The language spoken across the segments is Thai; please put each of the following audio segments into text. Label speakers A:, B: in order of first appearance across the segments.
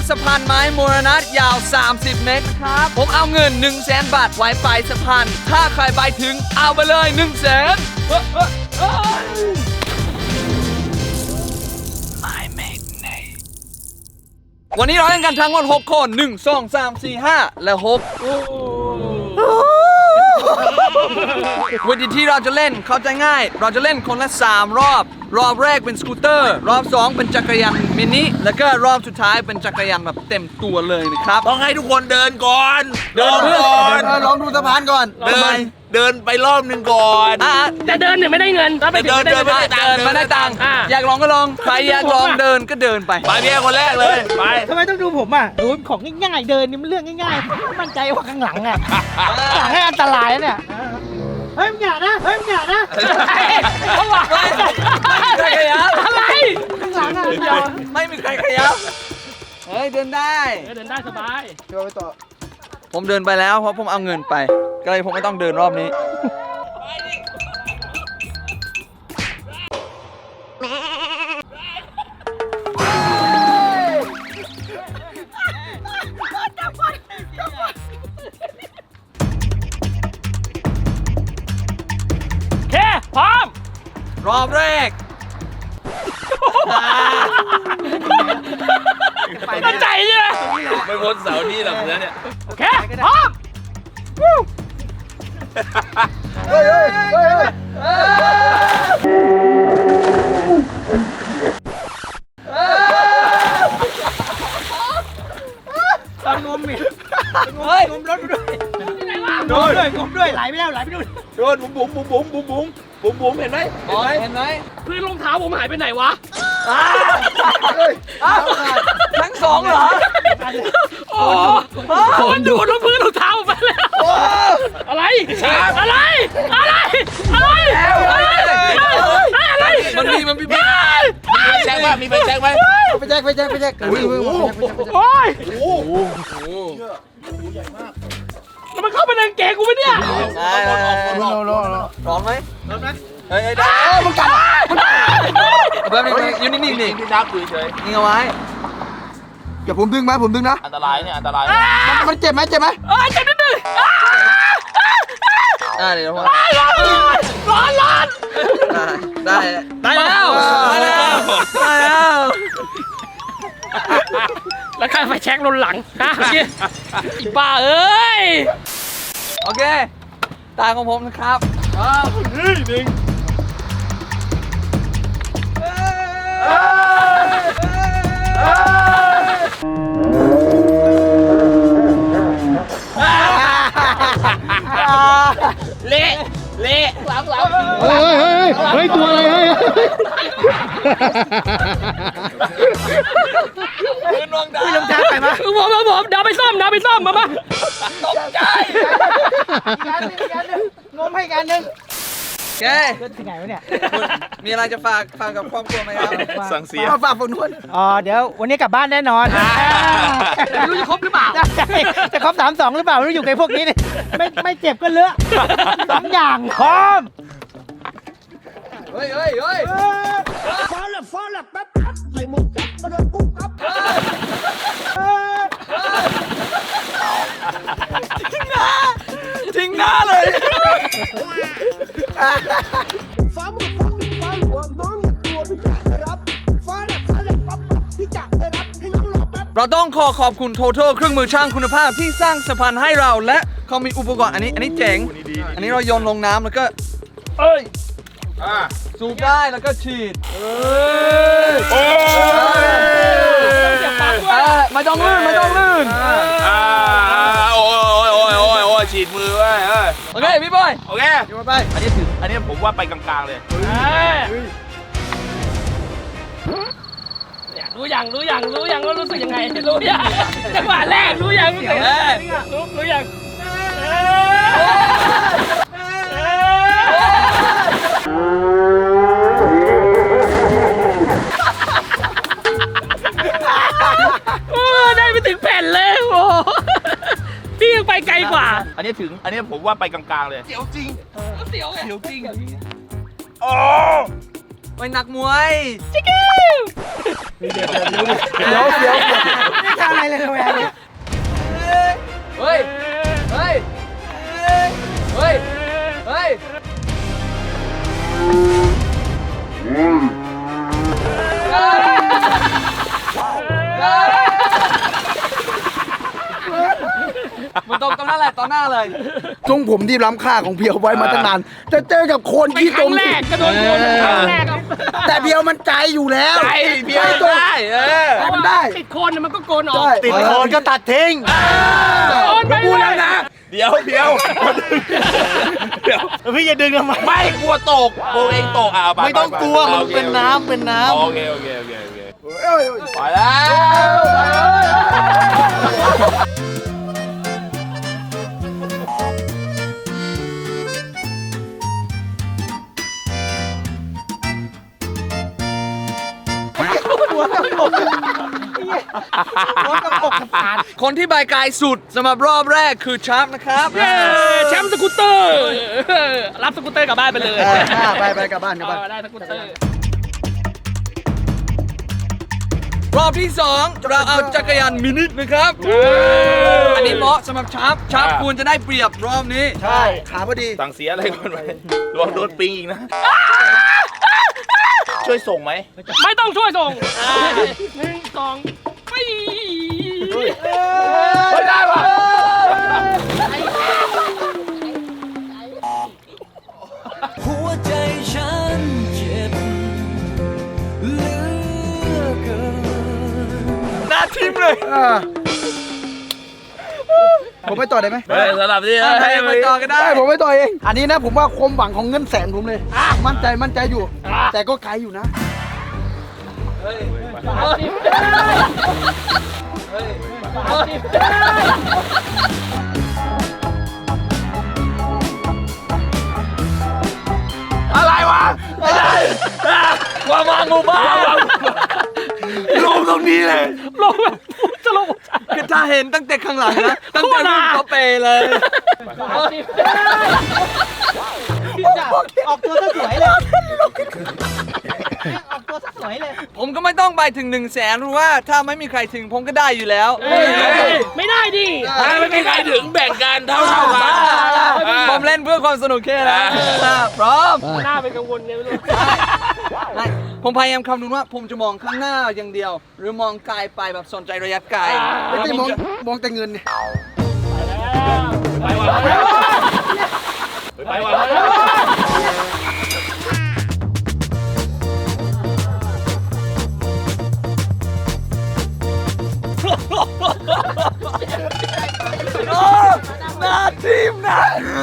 A: สะพานไม้มรณะยาว 30 เมตรครับ ผมเอาเงิน 100,000 บาทไว้ปลายสะพาน ถ้าใครไปถึงเอาไปเลย 100,000วันนี้เราเล่นกันทั้งหมด6 คน 1 2 3 4 5 และ 6 วิธีที่เราจะเล่นเข้าใจง่าย เราจะเล่นคนละ3 รอบ รอบแรกเป็นสกูตเตอร์ รอบ2เป็นจักรยานมินิ แล้วก็รอบสุดท้ายเป็นจักรยานแบบเต็มตัวเลยนะครับ
B: ต้องให้ทุกคนเดินก่อน เดินก่อน
C: ลองดูสะพานก่อน
B: เดินไปรอบหนึ่งก่อน
D: แต่เดินเนี่ยไม่ได้เงินถ้าไปถึงไม่ได้เงิน
A: ไม่ได้ตังค์อยากลองก็ลอง ใครอยากลองเดินก็เดินไป
B: ไปเพียคนแรกเลย ไป
E: ทำไมต้องดูผมอ่ะดูของง่ายๆเดินนี่มันเรื่องง่ายๆมั่นใจว่าข้างหลังอ่ะข้างหลังให้อันตรายเนี่ยเฮ้ยมึงอย่านะเฮ้ยมึงอย่านะ
D: เขาบอกว่า
A: ใครขยับ
D: อะไร
E: ข้างหลังอ่ะ
A: ไม่มีใครขยับ เฮ้ยเดินได้
D: เดินได้สบาย
A: ผมเดินไปแล้วเพราะผมเอาเงินไป ก็เลยผมไม่ต้องเดินรอบนี้
D: โอเคพร้อม
A: รอบแรก
D: มั่นใจใช่ไหม
B: ไม่พ้นเสานี่หรอกเนื้อเนี่ย
D: โอเคพร้อม
E: ตอนงมอีก
A: เฮ้ย
E: งมรถไปด้วยงมด้วยไหลไปแล้วไหลไปด้วย
B: โดนบุ๋มเห็นไหม
A: เห็นไหม
D: พื้นรองเท้าผมหายไปไหนวะ
A: ทั้งสองเหรอ
D: โอ้มันดูดลงพื้นรองเท้าผมไปแล้ว อะไร อะไร อะไร อะไร
A: มันมี
B: แจ็คว่ามีไปแจ็คไหม
C: ไปแจ็ค
D: โอ้ยแล้วมันเข้าไปในกางเกงกูไหมเนี่ย
A: ร้อนไหมเฮ้ยได้มึงกัดแบบนี้อยู่นิ่งๆนี่
B: พี่ดับดูเฉย
A: นิ่งเอาไว้
C: เดี๋ยวผมดึงนะ
B: อันตรายเนี่ยอันตราย
C: มันเจ็บไหม
D: เอ้ยเจ็บนิดนึง
A: เดี๋ยว
D: ร้อน
A: ได้แล้ว
D: แล้วใครไฟแช็กลนหลังฮะอีบ้าเอ้ย
A: โอเคตาของผมนะครับ
D: เละหลัง
E: เฮ้ยตัวอะไรเฮ้ย
A: ยืนวางดาว
E: ลงทางไปมา
D: ผมเดาไปซ่อมมา
A: ตกใจ
E: งมให้กันหนึ่ง
A: แก
E: เดินที่ไหนวะเนี่ย
A: มีอะไรจะฝากกับครอบครัวไหมครับ
B: สั่งเสีย
C: มาฝากฝน
E: เดี๋ยววันนี้กลับบ้านแน่นอน
D: ไม่รู้จะครบหรือเปล่า
E: จะครบ32หรือเปล่าไม่รู้อยู่กับพวกนี้เนี่ยไม่เจ็บก็เลอะ2 อย่างพร้อม
A: เฮ้ย
E: ฟ้าละแป๊บใส่หมวกจับกระโดดปุ๊บครับ
A: ทิ้งหน้าเลย
E: ฟ้าหมวกฟ้าหลวงน้องตัวพี่จักรรับฟ้าละปั๊บพี่จักรรับให้น้องรอแป๊บ
A: เราต้องขอบคุณ Total เครื่องมือช่างคุณภาพที่สร้างสะพานให้เราและเขามีอุปกรณ์อันนี้เจ๋ง อันนี้เราโยนลงน้ำแล้วก็สูบได้แล้วก็ฉีดไม่ต้องลื่น
B: โอ้ยฉีดมือไว้
A: โอเคพี่บอย
B: โอเคอันนี้ผมว่าไปกลางๆเลย
D: รู้ยังว่ารู้สึกยังไงรู้ยังจังหวะแรกรู้ยังรู้ยังได้ไปถึงแผ่นเลยโอ้พี่ยังไปไกลกว่า
B: อันนี้ผมว่าไปกลางๆเลย
D: เสียวจริงโอ้
B: โอ้
A: ไปนักมวย
C: เดี๋ยว
E: ไม่ทำอะไรเลยระแวงเนี่ย
A: เฮ้ย เฮ้ย เฮ้ย เฮ้ย มันตรงนั้นแหละต่อหน้าเลย
C: ทรงผมที่ล้ำค่าของเพียวไว้มาตั้งนานจะเจอกับคน
D: เป็น
C: ที่
D: ค
C: ตร
D: รั้
C: ง
D: งแรกกระโดนโกนครั้งแรกครับ
C: แต่เพียวมันใจอยู่แล้ว
B: ใจเพียว
C: ตรง
B: ได้
C: มันได้
D: ติดโคนมันก็โกนออก
C: ใช่
E: ติดโคนก็ตัดทิ้ง
D: โกนไป
B: พูด
D: เล
B: แล้ว
D: ย
B: นะ เดี๋ยวเดี๋ยวเดี๋ยว
E: พี่อย่าดึงทำไม
B: ไม่กลัวตกโบเองตกไป
E: ไม่ต้องกลัวมันเป็นน้ำเป็นน้ำ
B: โอเคไปแล้ว
A: คนที่ใบกายสุดสำหรับรอบแรกคือชักนะครับ
D: เย้แชมป์สกูตเตอร์ รับสกูตเตอร์กลับบ้านไปเลย
C: ไปกลับบ้าน
D: ได้สกูตเตอร์
A: รอบที่ 2 เราเอาจักรยานมินินะครับ อันนี้เหมาะสำหรับชักควรจะได้เปรียบรอบนี้
C: ใช่ขาพอดี
B: สั่งเสียอะไรก่อนไหมระวังโดนปิงอีกนะ ช่วยส่งไหม
D: ไม่ต้องช่วยส่ง1 2ไป
B: ไม่ได้ปะ
F: หัวใจฉันเจ็บเหลือเกิน
A: หน้าทิมเลย
C: ผมไปต่อได้ไหม
B: สลับที่
A: ให้ไปต่อก็ได้
C: ได้ผมไปต่อเอง อันนี้นะผมว่าความหวังของเงินแสนผมเลย มั่นใจอยู่ แต่ก็ไกลอยู่นะ
B: อะไรวะไม่ได้ความวางงูบ้าลงตรงนี้เลย
D: ลงแบบจะลง
A: คือถ้าเห็นตั้งแต่ข้างหลังนะ ตั้งแต่รุ่นเขาเปเลย
E: ออกตัวซะสวยเลย ออกตัวซะสวยเลย
A: ผมก็ไม่ต้องไปถึง1 0 0 0 0แสนรู้ว่าถ้าไม่มีใครถึงผมก็ได้อยู่แล้ว
D: ไม่ได้ดิ
B: ถ้าไม่มีใครถึงแบ่งกันเท่ากัน
A: ผมเล่นเพื่อความสนุกแค่นั้นพร้อม
D: หน้าเป็นกังวลไงไม่รู้
A: ไม่ผมพยายามคำนึงว่าผมจะมองข้างหน้าอย่างเดียว หรือมองไกลไปแบบสนใจระยะไกล
C: ไม่ได้มองแต่เงินเนี่ย
D: ไปว่ะ
B: ไปว่ะ
A: หน้าทีมนะ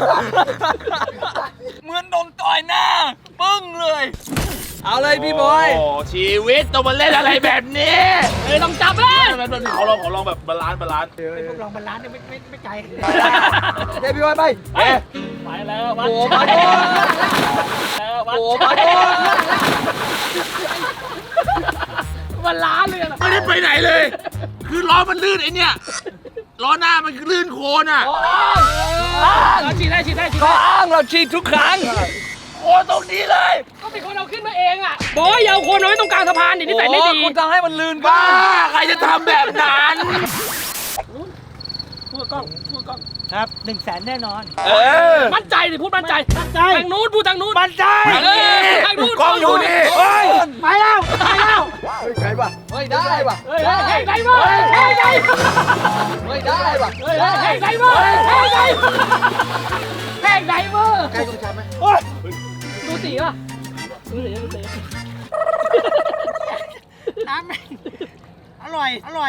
A: เหมือนโดนต่อยหน้า ปึ้งเลย เอาเลยพี่บอย
B: โอ้ชีวิตต้องมาเล่นอะไรแบบนี้
D: ต้องจับเลย
B: ขอลองแบบบาลานซ์
E: พวกลองบาลานซ์เนี่ยไม่ไกล
C: เดี๋ยวพี่บอยไป
D: ไปแล้ววัด
A: โอ้มาโดน
D: แล้ววัด
A: โอ้มาโดน
D: มันล้านเลยอะ
B: ไม่ได้ไปไหนเลย คือล้อมันลื่นไอเนี่ยล้อหน้ามันคือลื่นโคลนอ่ะ
D: เราฉีดได้
A: เขาอ้างเราฉีดทุกครั้ง
B: โคลนตรงนี้เลย
D: ก็เป็นคนเอาขึ้นมาเองอ่ะบอยอย่าเอาคนเอาไว้ตรงกลางสะพานดินิสัยไม่ดี
A: คุณจะให้มันลื่น
B: บ้าใครจะทำแบบนั้น
D: พูดกล้อง
E: ครับ1 0 0 0 0แสนแน่นอน
D: มั่นใจดิพูดมั่นใจ
E: มั่นใจ
D: ทางนู้นพูดทางนู้น
E: มั่นใจ
D: ทางนู้น
B: กล้องอยู่นี่
C: เฮ้ย
E: ไปแล้ว
C: ใครป่ะ
A: เฮ้ยได้ป่ะ
D: เฮ้ยไก่มาเฮ้ยไก่
A: เฮ้ยได้ป่ะ
D: เฮ้ยไก่มาเฮ้ยไก่แพงไก่มา
C: ใครต้องชับไหม
D: ดูสีป่ะดูสี
E: น้ำอร่อย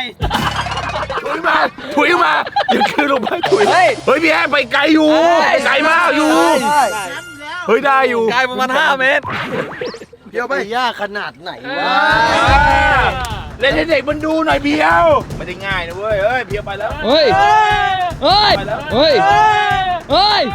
B: ถุยมาอย่าคือลงไปถุย
A: เฮ้ย
B: เฮ้ยพี่แอ้ไปไกลอยู่ไกลมากอยู่ เฮ้ยได้อยู่
A: ไกลประมาณ5 เมตร
C: เพียวไปยากขนาดไหนวะ
B: เล่นให้เด็กมันดูหน่อยเพียวไม่ได้ง่ายนะเว้ยเฮ้ยเพียวไปแล้ว
A: เฮ้ย เฮ้ย เฮ้ย เฮ้ย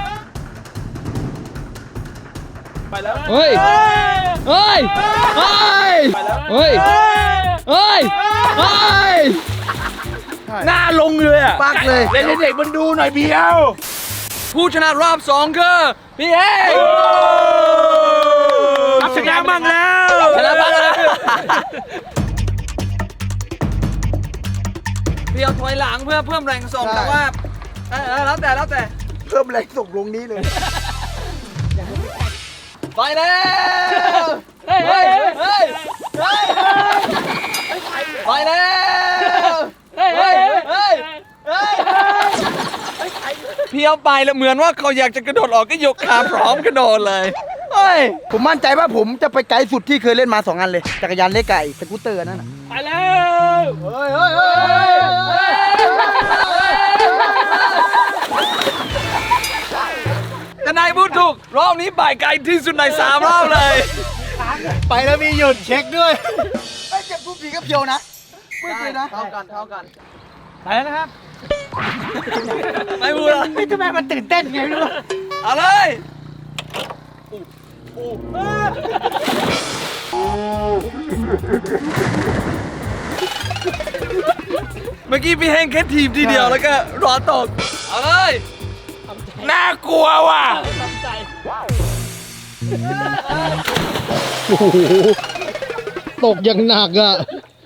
B: ไปแล้ว
A: เฮ้ย เฮ้ย เฮ้ย
B: ไปแล้ว
A: เฮ้ย เฮ้ย เฮ้ย
B: หน้าลงเลยอ่ะ
C: ปักเลย
B: เล่นให้เด็กมันดูหน่อยเพียว
A: ผู้ชนะรอบ 2 คือพี่เอก
B: รับชนะบ้างแล้ว
A: ชนะบ้างนะเพียวถอยหลังเพื่อเพิ่มแรงส่งแต่ว่าแล้วแต่
C: เพิ่มแรงส่งลงนี้เลย
A: ไปแล้ว
D: เฮ้ย
A: เฮ้ยเฮ้ยเฮ้ยไปแล้ว
D: เฮ้ย
A: เฮ้ยเฮ้ยเฮ้ยเพียวไปแล้วเหมือนว่าเขาอยากจะกระโดดออกก็ยกขาพร้อมกระโดดเลยเฮ้ย
C: ผมมั่นใจว่าผมจะไปไกลสุดที่เคยเล่นมา2 อันเลยจักรยานเล็กไก่สกูตเตอร์นั่นน่ะ
D: ไปแล้ว
C: เฮ้ยเฮ้ยเฮ้ย
A: แต่นายพูดถูกรอบนี้ไปไกลที่สุดใน3 รอบเลย
C: ไปแล้วมีหยุดเช็คด้วยไม่เจ็บทุกทีก็เพียวนะไม่เคยนะ
A: เท่ากัน
E: ไปแล้วนะครับ
A: ไม่พูดละ
E: ไม่ทำไมมันตื่นเต้นไงไม่รู้
A: เอาเลยเมื่อกี้พี่เฮงแค่ทีมทีเดียวแล้วก็รอตก เอาเลย
B: น่ากลัวว่ะ
D: ทำใจ
G: ตกอย่างหนักอ่ะ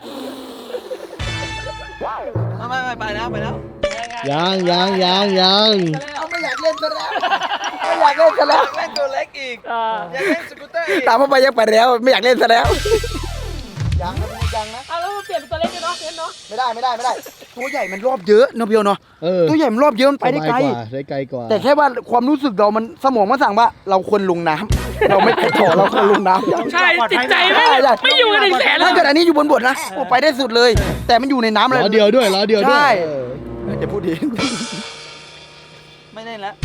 A: ไม่ไปแล้ว
G: ยัง
C: เอาไม่อยากเล่นซะแล้วไม่อยากเล่นซะแล้ว
A: เล่นตัวเล็กอีก อยากเล่นสกูตเตอร์อีก
C: ตามเข้าไปยังไปแล้วไม่อยากเล่นซะแล้วยังนะยังนะ
D: เอาแล้วเปลี่ยนเป็นตัวเล็กเลยเนาะเนาะ
C: ไม่ได้ตัวใหญ่มันรอบเยอะเนาะเพียวเนาะ
G: เออ
C: ตัวใหญ่มันรอบเยอะมันไปได้ไกล
G: ได้ไกลกว่า
C: แต่แค่ว่าความรู้สึกเรามันสมองมันสั่งว่าเราควรลงน้ำเราไม่ไปต่อเราควรลงน้ำ
D: ใช่ติดใจไม่อยู่กัน100,000แล้ว
C: ถ้าเกิดอันนี้อยู่บนบทนะโอ้ไปได้สุดเลย แต่มันอยู่ในน้ำเลย
G: ล้อเดียวด้วย
C: ใช่
G: เออ
C: จะพูดดี
A: ไม่เล่นแล้ว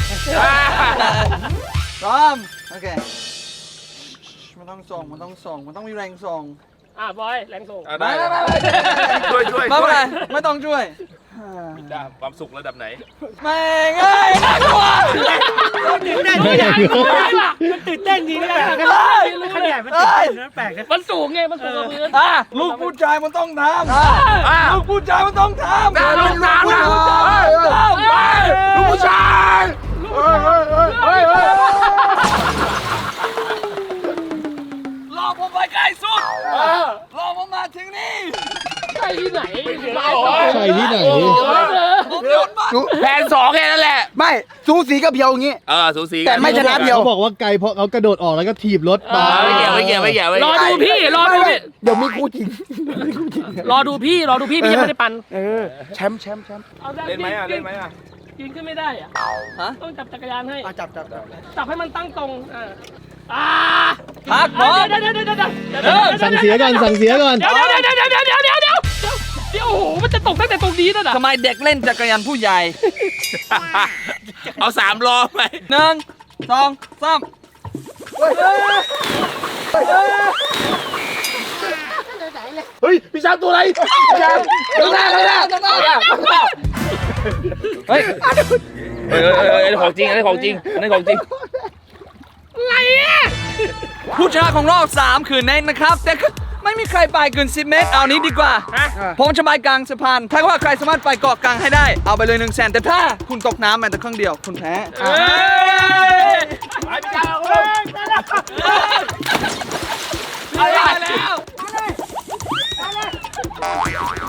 A: พร้อม โอเค มันต้องส่ง มันต้องมีแรงส่ง
D: บอยแรงส่ง
B: ได้ช่วย
A: ไม่เป็นไรไม่ต้องช่วย
B: ความสุขระดับไหน
A: ไม่ง่ายน่ากลัว
E: ตื่นเต้นจริงมันตื่นเต้นจริงนะขนาดมันตื่นเต้นนะแปลกนะ
D: มันสูงไง มันสูงกว่าพื้น
A: ลูกผู้ชายมันต้องทำลูกผู้ชายมันต้องทำ
B: ลูกน้ำนะ
A: ลูกผู้ชาย รอผมไปไกลสุดรอผมมาถึงนี่
D: ใช่ที่ไหน
G: ใช่ที่ไหน
A: ผมโยนมา
B: แผน2แค่นั้นแหละ
C: ไม่สูสีกับเพียวอย่างงี้
B: สูสี
C: แต่ไม่ชนะเพียว
G: เขาบอกว่าไกลเพราะเขากระโดดออกแล้วก็ถีบรถมา
B: ไม่เกี่ยว
D: รอดูพี่ รอดูพี่
C: เดี๋ยวมีคู่จริง
D: รอดูพี่พี่ยังไม่ได้ปั่น
C: แชมป์
D: เอาได้
B: เล่นไหมอ่ะ
D: ยืนขึ้นไม่ได้อ่ะ
A: ฮะ
D: ต้องจับจักรยานให้
C: จับ
D: จับให้มันตั้งตรง
A: พักพร้อม
D: เดี๋ยว
G: สั่งเสียก่อน
D: เดี๋ยวโอ้โห มันจะตกตั้งแต่ตรงนี้นั่นน่ะ
A: ทำไมเด็กเล่นจักรยานผู้ใหญ่
B: เอา3ล้อไป
A: 1 2 3
B: เฮ้ยพี่ช้างตัวอะไรพี่ช้างข้างหน้าเฮ้ยของจริงอันนี้ของจริง
D: อะไรอ่ะ
A: ผู้ชนะของรอบ 3 คือเนทนะครับ แต่ก็ไม่มีใครไปเกิน10 เมตร เอานี้ดีกว่า ผมจะไปกลางสะพาน ถ้าว่าใครสามารถไปเกาะกลางให้ได้ เอาไปเลย100,000แต่ถ้าคุณตกน้ำแม้แต่ครั้งเดียว คุณแพ้
B: ไปพี่ช้าง
A: เอาแล้ว